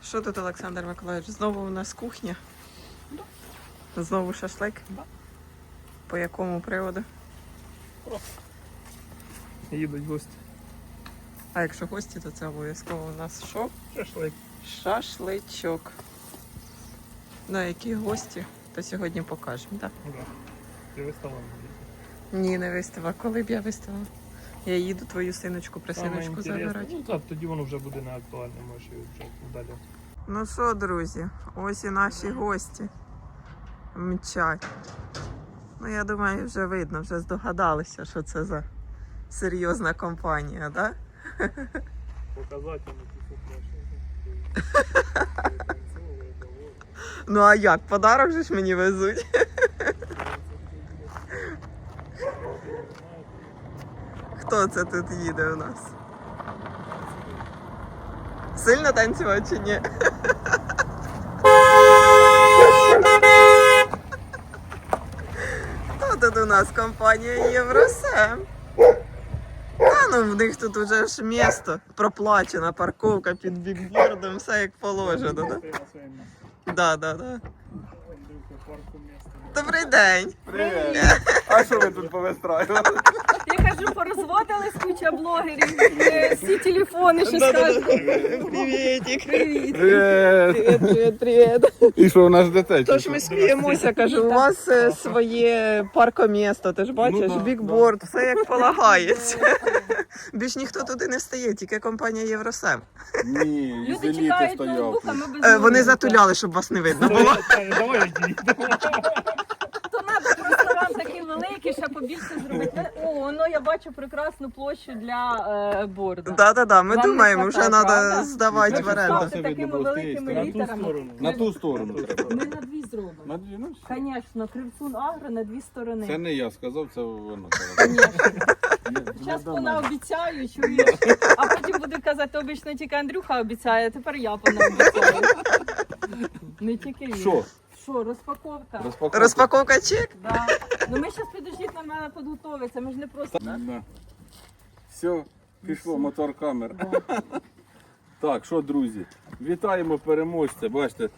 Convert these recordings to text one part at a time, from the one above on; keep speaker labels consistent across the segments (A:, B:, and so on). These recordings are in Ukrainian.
A: Що тут, Олександр Миколаївич? Знову у нас кухня? Да. Знову шашлик?
B: Да.
A: По якому приводу?
B: Просто. Їдуть гості.
A: А якщо гості, то це обов'язково у нас що?
B: Шашлик.
A: Шашличок. На які гості, то сьогодні покажемо, так?
B: Да. Ти виставила?
A: Ні, не виставила. Коли б я виставила? Я їду твою синочку, присиночку забирати.
B: Ну так, тоді воно вже буде не актуальне, можеш її вже удаляти.
A: Ну що, друзі, ось і наші гості мчать. Ну, я думаю, вже видно, вже здогадалися, що це за серйозна компанія, так?
B: Показательно
A: Ну а як? Подарок же ж мені везуть. Хто це тут їде у нас? Сильно танцювати чи ні? Хто тут у нас? Компанія Євросем. Та ну в них тут уже ж місто проплачена, парковка під бікбордом, все як положено, да? Да. Добрий день.
C: Привіт! А що ви тут повистраювали?
D: Я кажу, порозводились куча блогерів, всі телефони, що скажуть.
A: Привітик.
D: Привіт.
A: Привіт.
C: І що, у нас дитя?
A: Тож ми сміємося, кажу, у вас своє паркомісто, ти ж бачиш,
C: Ну да,
A: бікборд, все як полагається. Більш ніхто туди не стає, тільки компанія Євросем.
C: Ні,
D: Люди
C: ізоліти
D: чекають
C: стояв.
D: ноутбук, а ми без
A: Вони
D: ноутбука.
A: затуляли, щоб вас не видно було.
B: Давай йди.
D: То треба ресторан такий великий, ще побільше зробити. О, ну я бачу прекрасну площу для борду.
A: Да, ми
D: Вам не
A: думаємо, вже
D: хватає,
A: треба
D: правда?
A: здавати в оренду.
D: Ставте такими великими
B: На ту
D: літерами.
B: сторону.
C: На ту сторону треба.
D: Ми на дві зробимо.
C: На дві, ну, все.
D: Звісно, Кривцун Агро на дві сторони.
C: Це не я сказав, це вона.
D: Зараз понаобіцяю, чуєш, а потім буду казати, обично тільки Андрюха обіцяє, а тепер я понаобіцяю. Не тільки він.
C: Що?
D: Що, розпаковка?
A: Розпаковка чек?
D: Да. Ну ми зараз підождіть, нам треба підготуватися, ми ж не просто...
C: Да. Все, пішло, мотор камер. Так, що, друзі, вітаємо переможця. Бачите,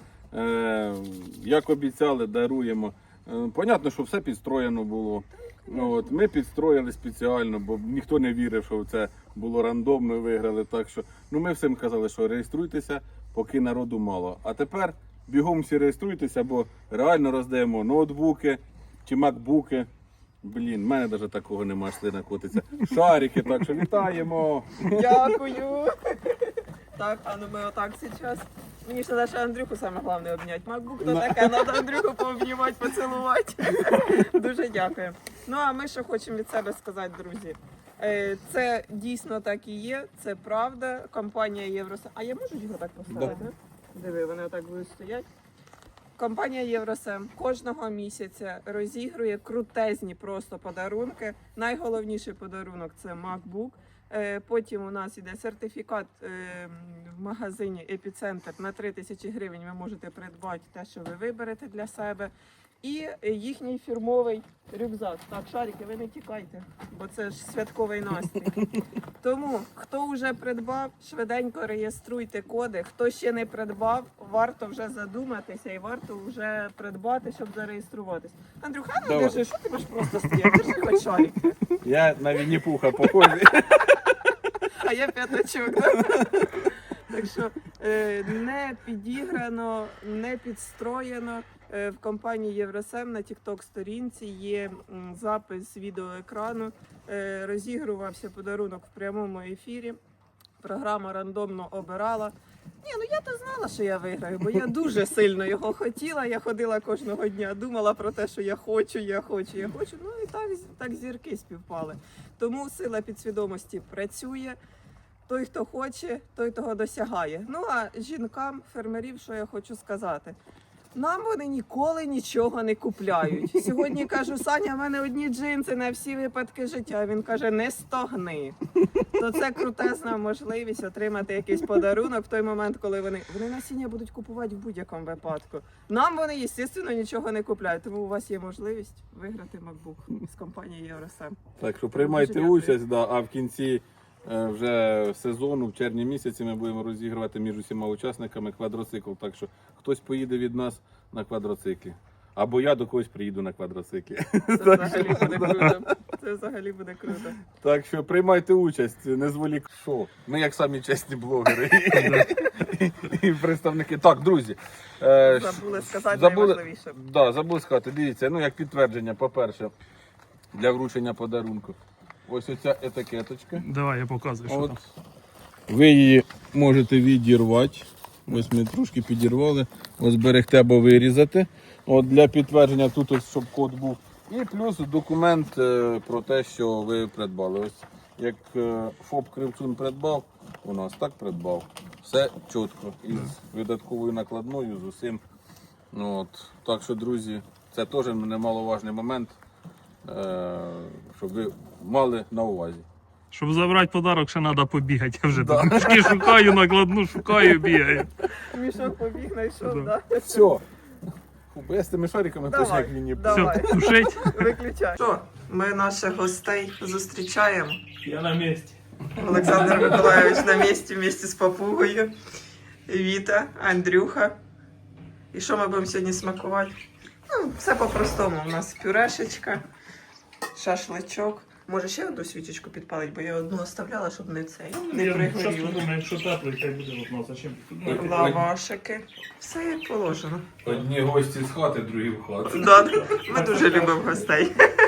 C: як обіцяли, даруємо. Понятно, що все підстроєно було. От, ми підстроїли спеціально, бо ніхто не вірив, що це було рандомно і виграли. Так що, ну ми всім казали, що реєструйтеся, поки народу мало. А тепер бігом всі реєструйтеся, бо реально роздаємо ноутбуки чи макбуки. Блін, в мене навіть такого немає, слина котиться. Шарики, так що вітаємо!
A: Дякую. Так, а ну ми отак зараз. Мені ж треба ще Андрюху саме головне обняти. Макбук то таке, треба Андрюху пообнімати, поцілувати. Дуже дякую. Ну а ми що хочемо від себе сказати, друзі. Це дійсно так і є, це правда. Компанія Євросем. А я можу його так поставити? Да. Диви, вони отак будуть стояти. Компанія Євросем кожного місяця розігрує крутезні просто подарунки. Найголовніший подарунок – це MacBook. Потім у нас іде сертифікат в магазині «Епіцентр» на 3000 гривень. Ви можете придбати те, що ви виберете для себе. І їхній фірмовий рюкзак. Так, шарики, ви не тікайте, бо це ж святковий настрій. Тому, хто вже придбав, швиденько реєструйте коди. Хто ще не придбав, варто вже задуматися і варто вже придбати, щоб зареєструватись. Андрюха, ну
C: Давай.
A: держи, що ти будеш просто стояти? Держи хоч шарики.
C: Я на Вінні-Пуха похожий.
A: А я п'ятачок. Да? Так що не підіграно, не підстроєно. В компанії Євросем на TikTok-сторінці є запис відеоекрану. Розігрувався подарунок в прямому ефірі. Програма рандомно обирала. Ні, ну я то знала, що я виграю, бо я дуже сильно його хотіла. Я ходила кожного дня, думала про те, що я хочу. Ну і так зірки співпали. Тому сила підсвідомості працює. Той, хто хоче, той того досягає. Ну а жінкам, фермерів, що я хочу сказати. Нам вони ніколи нічого не купляють. Сьогодні кажу, Саня, в мене одні джинси на всі випадки життя. Він каже, не стогни. То це крутезна можливість отримати якийсь подарунок в той момент, коли вони насіння будуть купувати в будь-якому випадку. Нам вони, звісно, нічого не купляють. Тому у вас є можливість виграти MacBook з компанії Євросем.
C: Так що приймайте
A: Дуже дякую.
C: участь, да, а в кінці вже сезону, в червні місяці ми будемо розігрувати між усіма учасниками квадроцикл. Так що хтось поїде від нас на квадроциклі. Або я до когось приїду на квадроциклі.
A: Це взагалі буде круто. Це взагалі буде круто.
C: Так що приймайте участь, не зволік. Що? Ми як самі чесні блогери і представники. Так, друзі.
A: Забули сказати найважливіше.
C: Да, забули сказати. Дивіться, ну як підтвердження, по-перше, для вручення подарунку. Ось оця етикеточка.
B: Давай, я показую, що
C: От.
B: там.
C: Ви її можете відірвати. Ось ми трошки підірвали. Ось зберегти або вирізати. От для підтвердження тут ось, щоб код був. І плюс документ про те, що ви придбали. Ось як ФОП Кривцун придбав, у нас так придбав. Все чітко. Із видатковою накладною, з усім. От. Так що, друзі, це теж немаловажний момент, щоб ви мали на увазі.
B: Щоб забрати подарок, ще треба побігати. Я вже тут мішки шукаю, накладну шукаю, бігаю.
A: Мішок побіг, знайшов,
B: Да.
A: да?
C: Все. Фу, бо я з тими шариками точно
A: Давай,
C: як лінії.
A: давай.
B: Все, тушить.
A: Виключай. Що, ми наших гостей зустрічаємо.
B: Я на місці.
A: Олександр Миколайович на місці, вместе з папугою. Віта, Андрюха. І що ми будемо сьогодні смакувати? Ну, все по-простому. У нас пюрешечка, шашличок. Може ще одну свічечку підпалить, бо я одну оставляла, щоб не цей, не
B: Зараз
A: пригоріло.
B: подумаю, якщо теплий, хай буде от нас. А чим тут?
A: Лавашики. Все як положено.
C: Одні гості з хати, другі в хату.
A: Да, ми дуже любимо гостей.